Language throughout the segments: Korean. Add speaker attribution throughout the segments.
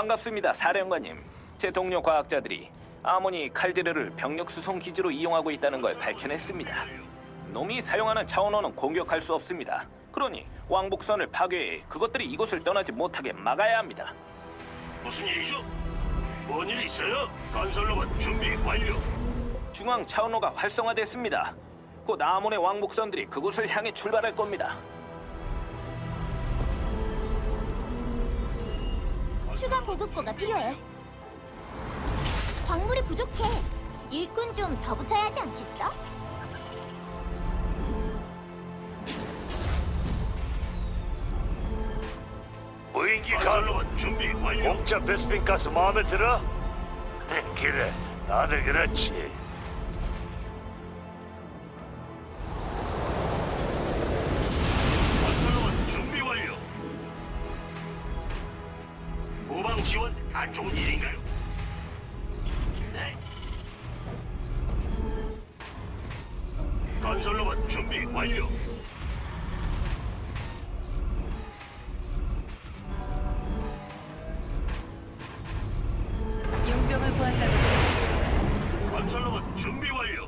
Speaker 1: 반갑습니다, 사령관님. 제 동료 과학자들이 아모니 칼데르를 병력 수송 기지로 이용하고 있다는 걸 밝혀냈습니다. 놈이 사용하는 차원호는 공격할 수 없습니다. 그러니 왕복선을 파괴해 그것들이 이곳을 떠나지 못하게 막아야 합니다.
Speaker 2: 무슨 일이죠? 뭔 일 있어요? 건설로봇 준비 완료.
Speaker 1: 중앙 차원호가 활성화됐습니다. 곧 아몬의 왕복선들이 그곳을 향해 출발할 겁니다.
Speaker 3: 추가 보급고가 필요해. 광물이 부족해. 일꾼 좀 더 붙여야 하지 않겠어?
Speaker 2: 무인기 건설로봇 준비 완료.
Speaker 4: 공짜 베스핀 가스 마음에 들어? 그래, 다들 그렇지.
Speaker 2: 건설로봇 준비 완료. 후방 지원 안 좋은 일인가요? 네. 건설로봇 준비 완료.
Speaker 5: 용병을 구한다고
Speaker 2: 건설로봇 준비 완료.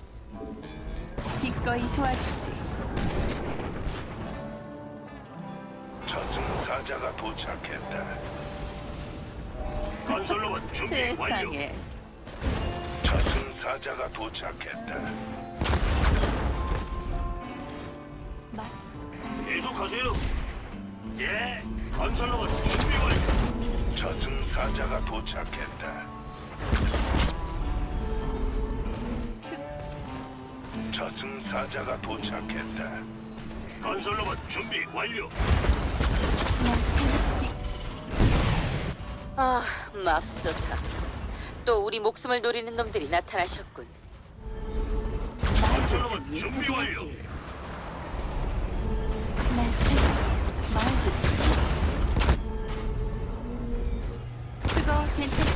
Speaker 5: 기꺼이 도와주지.
Speaker 4: 저승사자가 도착했다.
Speaker 2: 건설로봇 준비 완료.
Speaker 5: 세상에.
Speaker 4: 저승사자가 도착했다.
Speaker 5: 마,
Speaker 2: 계속하세요. 예. 건설로봇 준비 완료.
Speaker 4: 저승사자가 도착했다. 저승사자가 도착했다.
Speaker 2: 건설로봇 준비 완료.
Speaker 5: 나 재밌기.
Speaker 6: 아, 맙소사. 또 우리 목숨을 노리는 놈들이 나타나셨군.
Speaker 5: 말도 참
Speaker 2: 건설로봇 준비
Speaker 5: 예쁘게
Speaker 2: 완료.
Speaker 5: 하지. 날 재밌. 말도 참. 그거 괜찮.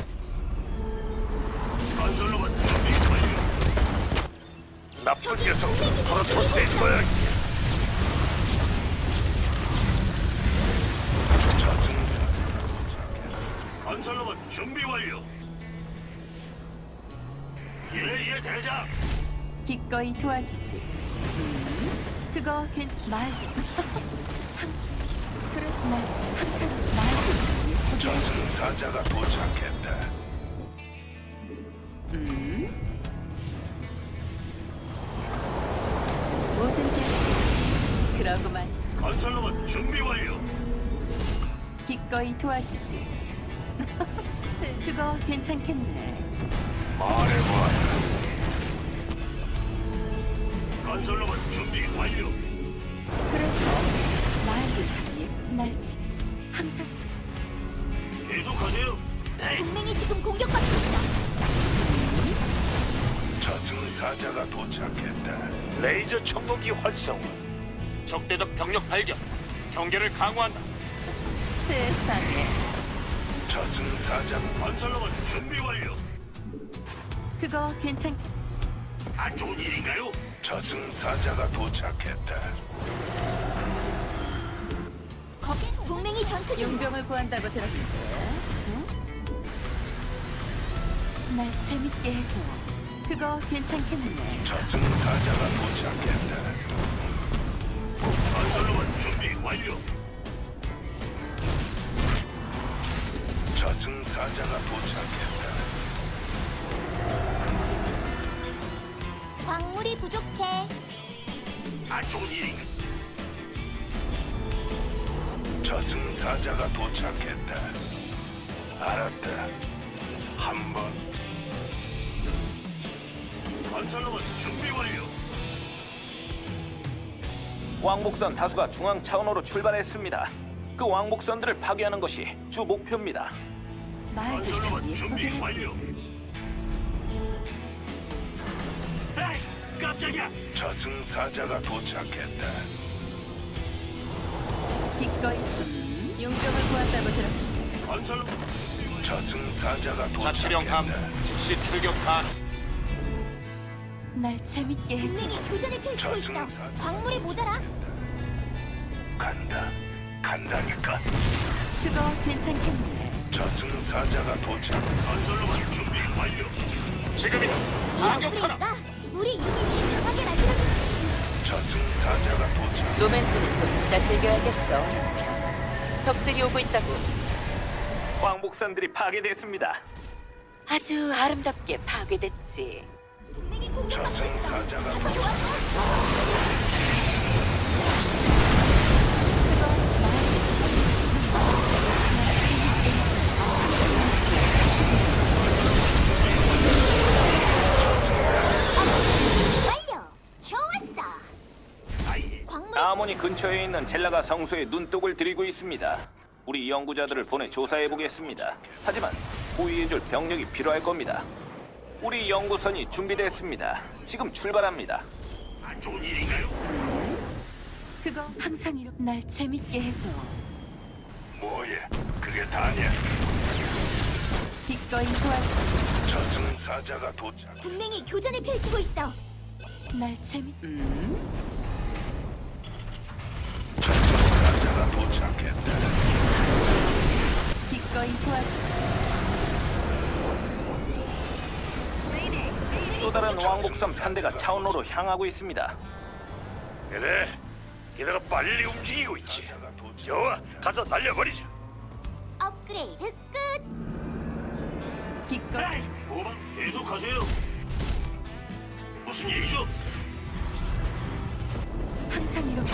Speaker 2: 건설로봇 준비 완료.
Speaker 4: 나쁜 녀석, 프로토스의 거야.
Speaker 2: 건설로봇 준비 완료. 예, 대장.
Speaker 5: 기꺼이 도와주지. 그거 괜찮. 말도. 그래, 날 참. 항상 말도 참 예쁘게 하지.
Speaker 4: 저승사자가 도착했다.
Speaker 5: 뭐든지 할게. 그러고만
Speaker 2: 건설로봇 준비 완료.
Speaker 5: 기꺼이 도와주지. 그거 괜찮겠네.
Speaker 4: 말해봐.
Speaker 2: 건설로봇 준비 완료.
Speaker 5: 그래서 말도 참 예쁜 날지. 항상
Speaker 2: 계속하세요. 네.
Speaker 3: 동맹이 지금 공격받고 있어.
Speaker 4: 저승사자가 도착했다.
Speaker 7: 레이저 청동기 활성화. 적대적 병력 발견. 경계를 강화한다.
Speaker 5: 세상에.
Speaker 4: 저승사자
Speaker 2: 건설로봇 준비 완료.
Speaker 5: 그거 괜찮.
Speaker 2: 안 좋은 일인가요?
Speaker 4: 저승사자가 도착했다.
Speaker 3: 거기 동맹이 전투 중.
Speaker 5: 용병을 구한다고 들었는데. 응? 날 재밌게 해줘. 그거 괜찮겠네.
Speaker 4: 저승사자가 도착했다.
Speaker 2: 건설로봇 준비 완료.
Speaker 4: 저승사자가 도착했다.
Speaker 3: 광물이 부족해.
Speaker 2: 안 좋은 일인가?
Speaker 4: 저승사자가 도착했다. 알았다. 한번
Speaker 2: 건설로봇 준비 완료.
Speaker 1: 왕복선 다수가 중앙 차원호로 출발했습니다. 그 왕복선들을 파괴하는 것이 주 목표입니다.
Speaker 5: 말도 참
Speaker 2: 건설로봇
Speaker 5: 예쁘게
Speaker 2: 준비
Speaker 5: 하지.
Speaker 2: 완료. 에이, 깜짝이야.
Speaker 4: 저승사자가 도착했다.
Speaker 5: 기꺼이. 용병을 구한다고 들었는데.
Speaker 2: 건설로봇
Speaker 4: 저승사자가
Speaker 7: 자치령 감
Speaker 4: 도착했다.
Speaker 7: 즉시 출격 가능.
Speaker 5: 날 재밌게 해줘.
Speaker 3: 동맹이 교전을 펼치고 있어. 광물이 모자라.
Speaker 4: 간다. 간다니까.
Speaker 5: 그거 괜찮겠네.
Speaker 4: 저승사자가 도착.
Speaker 2: 건설로봇 준비 완료.
Speaker 7: 지금이다.
Speaker 3: 이
Speaker 7: 타격하라.
Speaker 3: 업그레이드가 우리 유닛을 강하게 만들어주지.
Speaker 4: 저승사자가 도착.
Speaker 6: 로맨스는 좀 이따 즐겨야겠어, 남편. 적들이 오고 있다고.
Speaker 1: 왕복선들이 파괴됐습니다.
Speaker 6: 아주 아름답게 파괴됐지.
Speaker 3: 동맹이 공격받고 있어.
Speaker 4: 저승사자가
Speaker 3: 가서 도와줘. 완료. 좋았어. 광물이
Speaker 1: 아모니 근처에 있는 젤라가 성소에 눈독을 들이고 있습니다. 우리 연구자들을 보내 조사해 보겠습니다. 하지만 호위해줄 병력이 필요할 겁니다. 우리 연구선이 준비됐습니다. 지금 출발합니다.
Speaker 2: 안 좋은 일인가요?
Speaker 5: 그거 항상 이렇게 날 재밌게 해줘.
Speaker 4: 뭐야? 그게 다냐?
Speaker 5: 기꺼이 도와주지.
Speaker 4: 저승사자가 도착.
Speaker 3: 동맹이 교전을 펼치고 있어.
Speaker 5: 날 재밌.
Speaker 4: 저승사자가 도착했다.
Speaker 5: 기꺼이 도와주지.
Speaker 1: 또 다른 왕복선 편대가 차원로로 향하고 있습니다.
Speaker 4: 그래, 얘네가 빨리 움직이고 있지. 좋아, 가서 날려버리자.
Speaker 3: 업그레이드 끝.
Speaker 5: 기꺼이.
Speaker 2: 도망 계속하세요. 무슨 일이죠?
Speaker 5: 항상 이렇게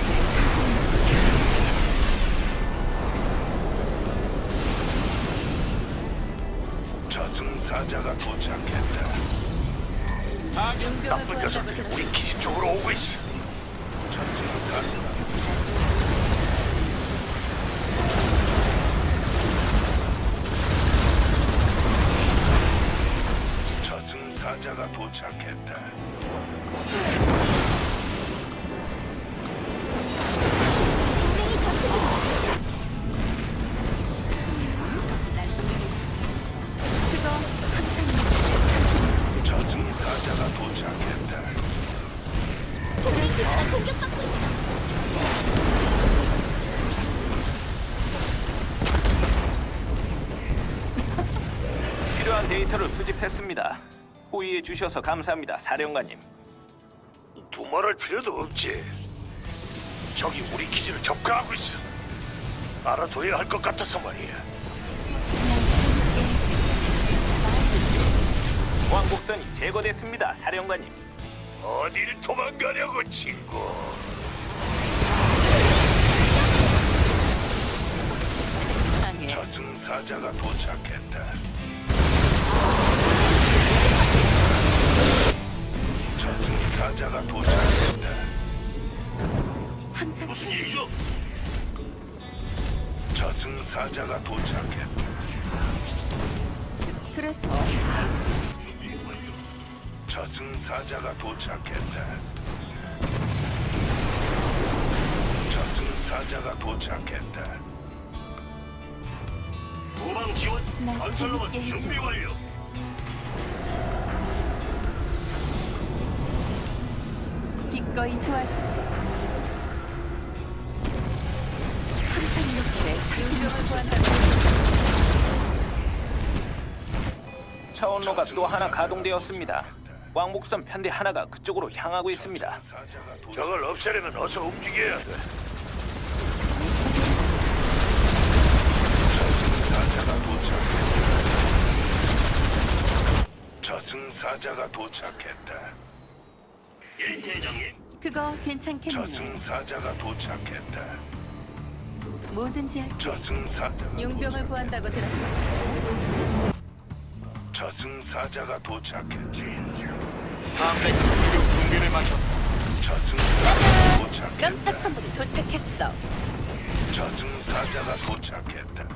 Speaker 4: 저승사자가 도착했다. 나쁜 녀석들이 우리 기지 쪽으로 오고 있어. 저승사자. 저승사자가 도착했다.
Speaker 3: 동맹이 전투 중이야.
Speaker 5: 날 노리고 있어. 그거 항상 이렇게
Speaker 4: 저승사자가 도착했다.
Speaker 3: 동맹 기지가 공격받고 있어.
Speaker 1: 필요한 데이터를 수집했습니다. 호의해 주셔서 감사합니다, 사령관님.
Speaker 4: 두말할 필요도 없지. 적이 우리 기지를 접근하고 있어. 알아둬야 할 것 같아서 말이야.
Speaker 5: 날 재밌게 해줘.
Speaker 1: 왕복선이 제거됐습니다, 사령관님.
Speaker 4: 어딜 도망가려고, 친구.
Speaker 6: 강해.
Speaker 4: 저승사자가 도착했다. 저승사자가 도착했다.
Speaker 5: 항상
Speaker 2: 무슨 일이죠?
Speaker 4: 저승사자가 도착했다.
Speaker 5: 그래서
Speaker 4: 저승사자가 도착했다. 저승사자가 도착했다.
Speaker 2: 도망 지원.
Speaker 5: 날
Speaker 2: 건설로봇
Speaker 5: 재밌게 해줘.
Speaker 2: 준비 완료.
Speaker 5: 기꺼이 도와주지. 항상 이렇게
Speaker 6: 용병을 구한다고.
Speaker 1: 차원로가 또 하나 가동되었습니다. 왕복선 편대 하나가 그쪽으로 향하고 있습니다.
Speaker 4: 저걸 없애려면 어서 움직여야 돼. 저승사자가 도착했다. 저승사자가 도착했다.
Speaker 2: 예, 대장님.
Speaker 5: 그거 괜찮겠네.
Speaker 4: 저승사자가 도착했다.
Speaker 5: 뭐든지 할게.
Speaker 4: 저승사자가
Speaker 6: 용병을 구한다고 들었어.
Speaker 4: 저승사자가 도착했지.
Speaker 7: 함대 출격 준비를 마쳤다.
Speaker 4: 저승사자가 도착했다.
Speaker 6: 깜짝 선물이 도착했어.
Speaker 4: 저승사자가 도착했다.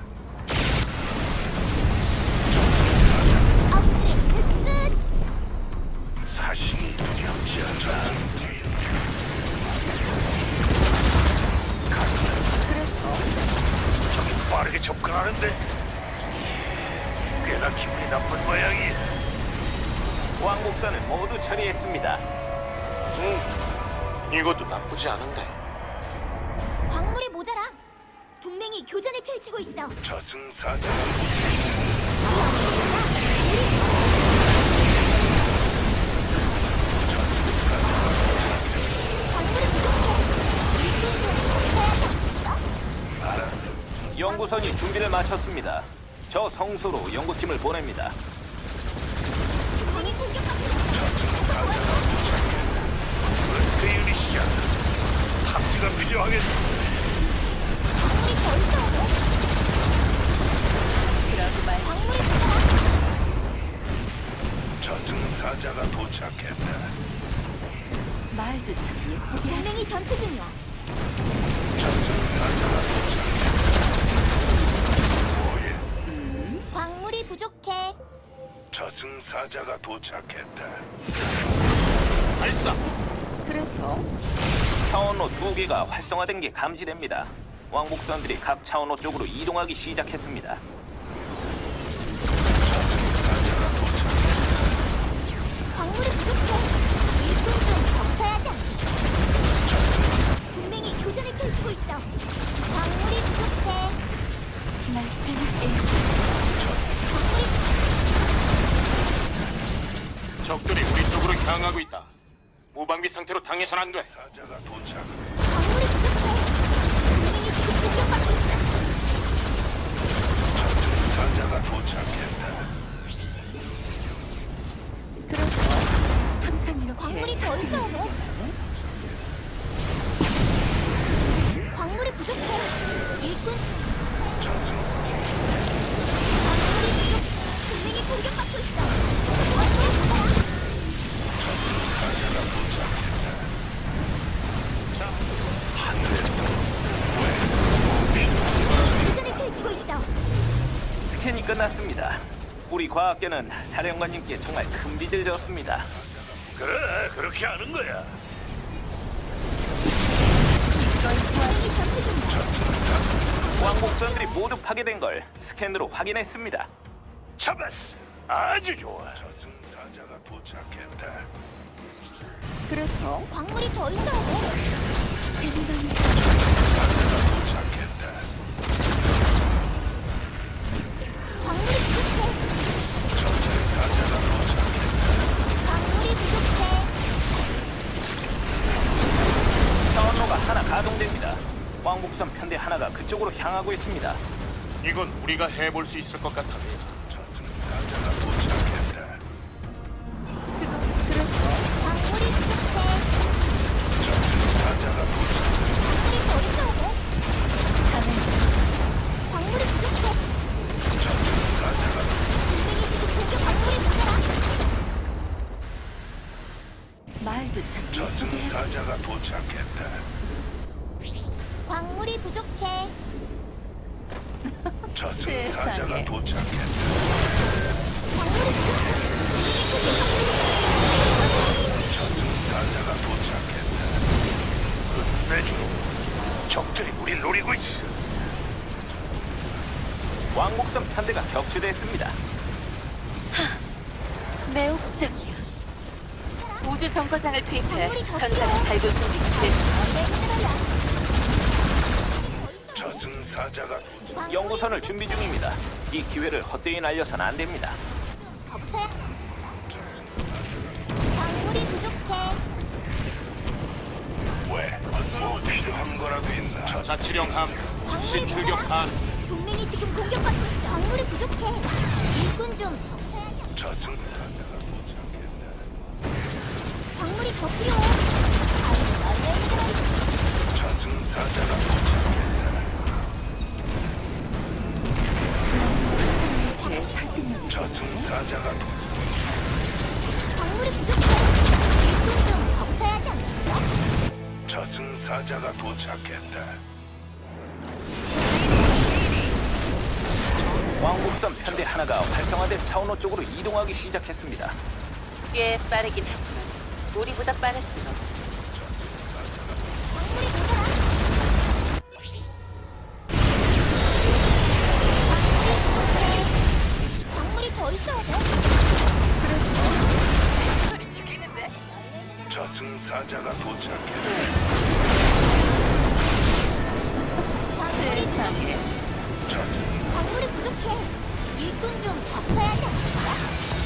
Speaker 3: 업그레이드 끝.
Speaker 4: 사신이 두렵지 않다.
Speaker 5: 그래서
Speaker 4: 저기 빠르게 접근하는데 꽤나 기분이 나쁜 모양이야.
Speaker 1: 왕복선을 모두 처리했습니다.
Speaker 7: 이것도 나쁘지 않은데.
Speaker 3: 광물이 모자라. 동맹이 교전을 펼치고 있어.
Speaker 4: 저승사자가
Speaker 1: 연구선이 준비를 마쳤습니다. 저 성소로 연구팀을 보냅니다.
Speaker 3: 동맹이 공격받고 있어.
Speaker 4: 그 유닛이야. 탑지가 필요하겠어.
Speaker 3: 광물이 더 있어야 돼.
Speaker 6: 그러고 말
Speaker 3: 광물이 부족해.
Speaker 4: 저승사자가 도착했다.
Speaker 5: 말도 참 예쁘게 하지.
Speaker 3: 동맹이 전투 중이야.
Speaker 4: 저승사자가 도착했다. 뭐야?
Speaker 3: 광물이 부족해.
Speaker 4: 저승사자가 도착했다.
Speaker 7: 발사.
Speaker 5: 그래서
Speaker 1: 차원로 2개가 활성화된 게 감지됩니다. 왕복선들이 각 차원로 쪽으로 이동하기 시작했습니다.
Speaker 3: 광물이 부족해. 일꾼 좀 덮쳐야지 않겠어? 동맹이 교전을 펼치고 있어. 광물이 부족해.
Speaker 5: 날 재밌게 해줘.
Speaker 3: 광물이
Speaker 7: 적들이 우리 쪽으로 향하고 있다. 무방비 상태로 당해선 안 돼.
Speaker 4: 사자가 도착.
Speaker 3: 광물이 부족해. 동맹이 지금 공격받고 있어.
Speaker 4: 저승사자가 도착했다.
Speaker 5: 그래서 항상 이렇게
Speaker 3: 광물이 더 있어야 돼. 광물이 부족해. 일꾼. 광물이 부족해. 동맹이 공격받고 있어. 도와줘.
Speaker 4: 저승사자가 도착했다.
Speaker 3: 교전을 펼치고 있어.
Speaker 1: 스캔이 끝났습니다. 우리 과학계는 사령관님께 정말 큰 빚을 졌습니다.
Speaker 4: 그래, 그렇게 하는 거야.
Speaker 3: 동맹이 전투 중이야.
Speaker 1: 왕복선들이 모두 파괴된 걸 스캔으로 확인했습니다.
Speaker 4: 잡았어. 아주 좋아. 저승사자가 도착했다.
Speaker 5: 그래서
Speaker 3: 광물이 더 있어야 돼.
Speaker 5: 재미난
Speaker 4: 도착했다.
Speaker 3: 광물이 부족해.
Speaker 4: 저승사자가 도착했다.
Speaker 3: 광물이 부족해.
Speaker 1: 차원로가 하나 가동됩니다. 왕복선 편대 하나가 그쪽으로 향하고 있습니다.
Speaker 7: 이건 우리가 해볼 수 있을 것 같아.
Speaker 4: 저승사자가 도착했다.
Speaker 5: 그래서
Speaker 3: 광물이 부족해.
Speaker 4: 저승사자가 도착했다.
Speaker 3: 광물이 더 있어야 돼.
Speaker 5: 가면 좀
Speaker 3: 광물이 부족해.
Speaker 4: 저승사자가
Speaker 3: 동맹이 지금 공격 광물이 모자라.
Speaker 5: 말도 참 예쁘게 하지.
Speaker 4: 저승사자가 도착했다.
Speaker 3: 광물이 부족해.
Speaker 4: 저승사자가
Speaker 5: 세상에.
Speaker 4: 도착했다.
Speaker 3: 광물이 부족해.
Speaker 4: 저승사자가 도착했다. 끝내줘. 적들이 우릴 노리고 있어.
Speaker 1: 왕복선 편대가 격추됐습니다.
Speaker 6: 매혹적이야. 우주 정거장을 투입해
Speaker 3: 광물이 더
Speaker 6: 전장을
Speaker 3: 필요해.
Speaker 6: 발굴 준비가 됐어.
Speaker 4: 저승사자가 도착.
Speaker 1: 연구선을 준비 중입니다. 이 기회를 헛되이 날려선 안 됩니다.
Speaker 3: 덮쳐야. 광물이 부족해.
Speaker 4: 왜? 뭐 필요한 거라도 있나?
Speaker 7: 자치령 함 즉시 출격 안.
Speaker 3: 동맹이 지금 공격받고 있어. 광물이 부족해. 일꾼 좀 덮쳐야지.
Speaker 4: 저승사자가 도착했다.
Speaker 3: 광물이 더 필요해. 아이, 너희들.
Speaker 4: 저승사자가 도착했다.
Speaker 5: 항상 이렇게 설득력이
Speaker 4: 저승사자가
Speaker 3: 광물이 부족해. 일꾼 좀 덮쳐야지 않겠어?
Speaker 4: 저승사자가 도착했다.
Speaker 1: 왕복선 편대 하나가 활성화된 차원호 쪽으로 이동하기 시작했습니다.
Speaker 6: 꽤 빠르긴 하지만 우리보다 빠를 순 없지.
Speaker 3: 광물이 모자라. 광물이 더 있어야 돼.
Speaker 4: 저승사자가 도착했다.
Speaker 3: 광물이
Speaker 5: 세상에
Speaker 4: 저승
Speaker 3: 광물이 부족해. 일꾼 좀 덮쳐야지 않겠어?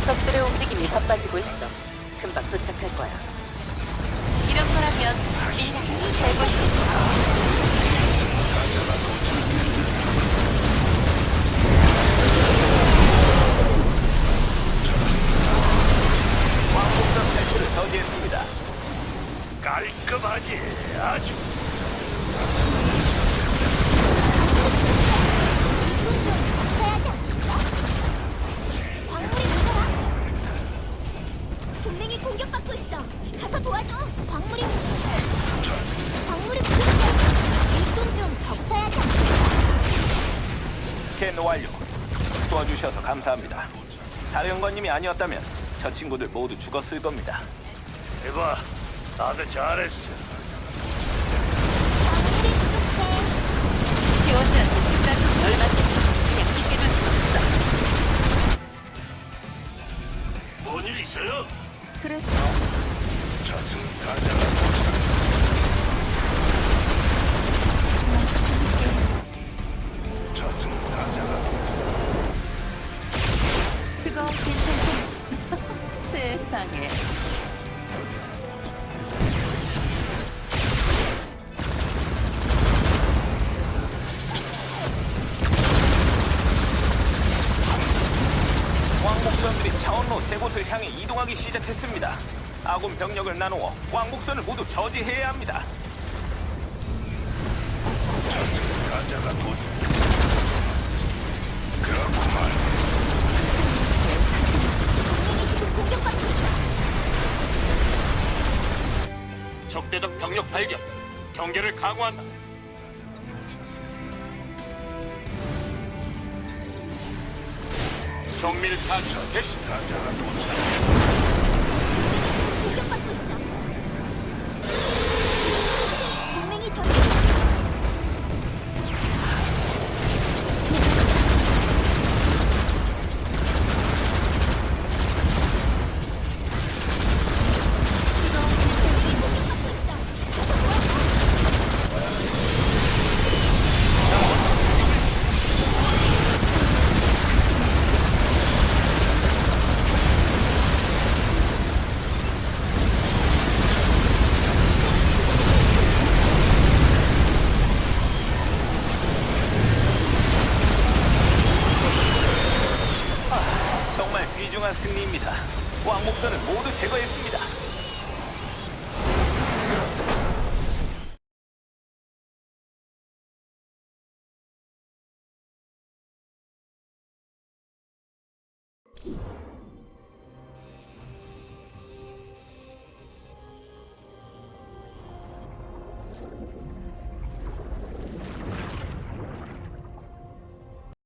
Speaker 6: 적들의 움직임이 바빠지고 있어. 금방 도착할 거야.
Speaker 5: 이런 거라면 미라클이 최고지.
Speaker 1: 왕복선 탈출을 저지했습니다.
Speaker 4: 깔끔하지. 아주.
Speaker 3: 광물이 부족해. 동맹이 공격받고 있어. 가서 도와줘. 광물이 부족해. 일꾼 좀 덮쳐야 돼.
Speaker 1: 스캔 완료. 도와주셔서 감사합니다. 사령관님이 아니었다면 저 친구들 모두 죽었을 겁니다.
Speaker 4: 해봐. 다들 잘했어.
Speaker 3: 광물이 부족해.
Speaker 6: 요원들한테 집단 좀 열받게 그냥 죽게 둘 수 없어.
Speaker 2: 뭔 일 있어요?
Speaker 5: 그래서
Speaker 4: 저승사자가
Speaker 5: 재밌게
Speaker 4: 저승사자가
Speaker 5: 그거 괜찮고 세상에.
Speaker 1: 왕복선들이 차원로 세 곳을 향해 이동하기 시작했습니다. 아군 병력을 나누어 왕복선을 모두 저지해야 합니다.
Speaker 4: 저승사자가 곧 그렇구만.
Speaker 3: 동맹이 지금 공격받고 있어.
Speaker 7: 적대적 병력 발견. 경계를 강화한다. 정밀 타격 개시.
Speaker 4: 사자가 도착.
Speaker 3: 공격받고 있어. 동맹이 전 공격받고 있어. 가서 도와줘.
Speaker 1: 정말 귀중한 승리입니다. 왕복선을 모두 제거했습니다.